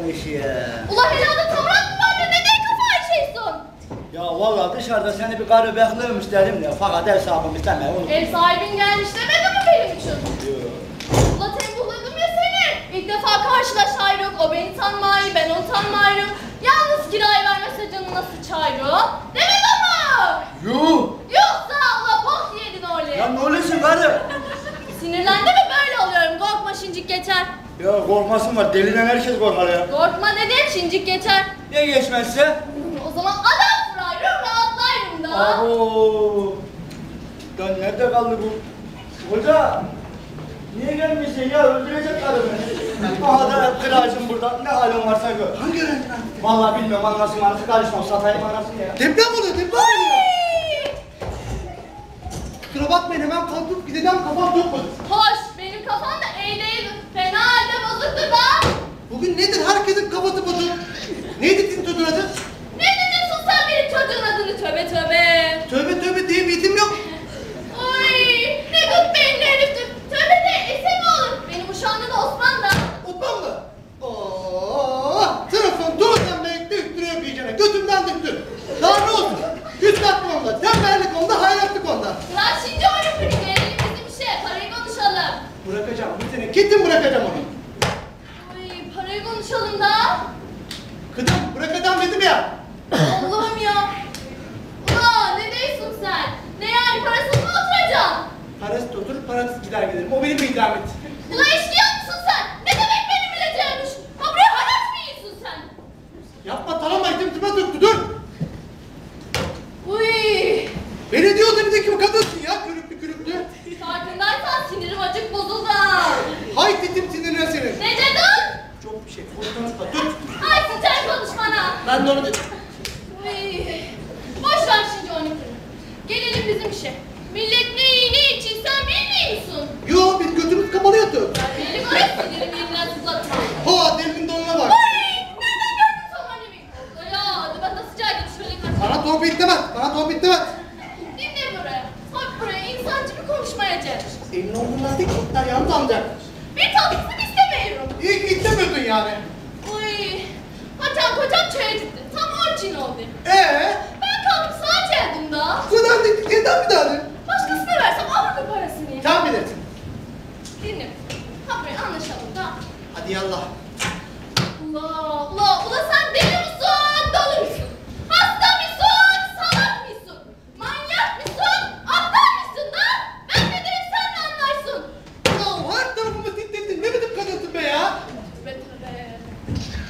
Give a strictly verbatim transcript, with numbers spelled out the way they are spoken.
gelmiş ya. Ula helada tavrat mı var da neden kafayı şeysin? Ya vallahi dışarıda seni bir karı bekliyormuş dedim de fakat ev sahibim istemeye unuttum. Ev sahibin gelmiş demedi mi benim için? Yok. Ula tembuhladım ya seni. İlk defa karşılaşayrık. O beni tanmayı, ben onu tanmayırım. Yalnız kirayı vermese canı nasıl çayrı? Demek ama. Yuh! Yoksa ula bok yedin öyle. Ya ne oluyorsun karı? Sinirlendi mi böyle oluyorum. Korkma şincik geçer. Ya korkmasın var, deliden herkes korkar ya. Korkma dedim şincik geçer. Ya geçmezse? O zaman adam vurayım rahatlayırım da. Abo! Ya nerede kaldı bu? Hoca! Niye gelmişsin ya? Öldürecek karı beni. Aha da kıracım burada. Ne halin varsa gör. Hangi öğrenci lan? Vallahi bilmiyorum anasını anası karışmam. Satayım anasını ya. Deprem oluyor, deprem oluyor. Kusura bakmayın hemen kalkıp gideceğim, kafam tutmadı. Hoş benim kafam da iyi değil. Fena halde bozuktu da. Bugün nedir herkesin kafası bozuk? Neydi sizin çocuğun adı? Ne diyorsun sen benim çocuğun adını tövbe tövbe. Tövbe tövbe diye bir isim yok. Oy ne gut beyinli heriftir. Tövbe de ese mi olur? Benim uşağımda da Osman da. Osman mı? Ooo! Sınıfın tuğdan bekle üstüne öpeyeceğine. Götümden düştü. Daha ne olsun? Güçlatma onda, tembellik onda, hayratlık onda. Lan şimdi oyunu kırık. Gelelim bizim işe. Parayı konuşalım. Bırakacağım bir sene. Kesin bırakacağım onu. Oy parayı konuşalım da. Kızım bırakacağım dedim ya. Allah'ım ya. Ulan ne diyorsun sen? Ne yani parasız mı oturacaksın? Parası da oturur, parasız gider gelirim. O benim bir idamet. Ulan işliyor musun sen? Ne demek benim bileceğimmiş? Ha buraya haraç mı yiyorsun sen? Yapma tamam mı? İtimtime tuttu dur. Uy. Belediye otobüsü bir kadınsın ya. Kürüklü kürüklü. Farkındaysan sinirim acık bozuldu. Hay titim sinirine senin. Ne dedin? Çok bir şey. Konuşma tut. Ay sıçar konuşmana. Ben de onu dedim. Uy. Boş ver şimdi onu kırın. Gelelim bizim işe. Millet ne iyi ne için sen bilmiyor musun? Yo biz götümüz kapalı yatıyor. Benim öyle sinirimi elinden sızlatma. Ha delinin donuna bak. Ay nereden gördün sen annemi? Ya hadi ben de sıcağa git şöyle kaçayım. Bana torpil demez. Bana torpil demez. Dinle buraya. Bak buraya insancı bir konuşmaya çalış. Senin olduğundan değil ki. Yalnız amcak. Bir tatlısını istemiyorum. İyi ki istemiyordun yani. Uy. Hacan kocam çaya gitti. Tam orçin oldu. Ee? Ben kalkıp sağa geldim da. Sıradan değil. Senden bir tane. Başkasına versem alır mı parasını? Sen bilirsin. Dinle. Ha buraya anlaşalım da. Hadi yallah. Ula ula ula sen deli misin? Dolu musun? Hasta mısın? Salak mısın? Manyak mısın? Aptal mısın da? Ben ne derim sen ne anlarsın? Ya her tarafımı titrettin. Ne biçim kadınsın be ya? Tövbe tövbe.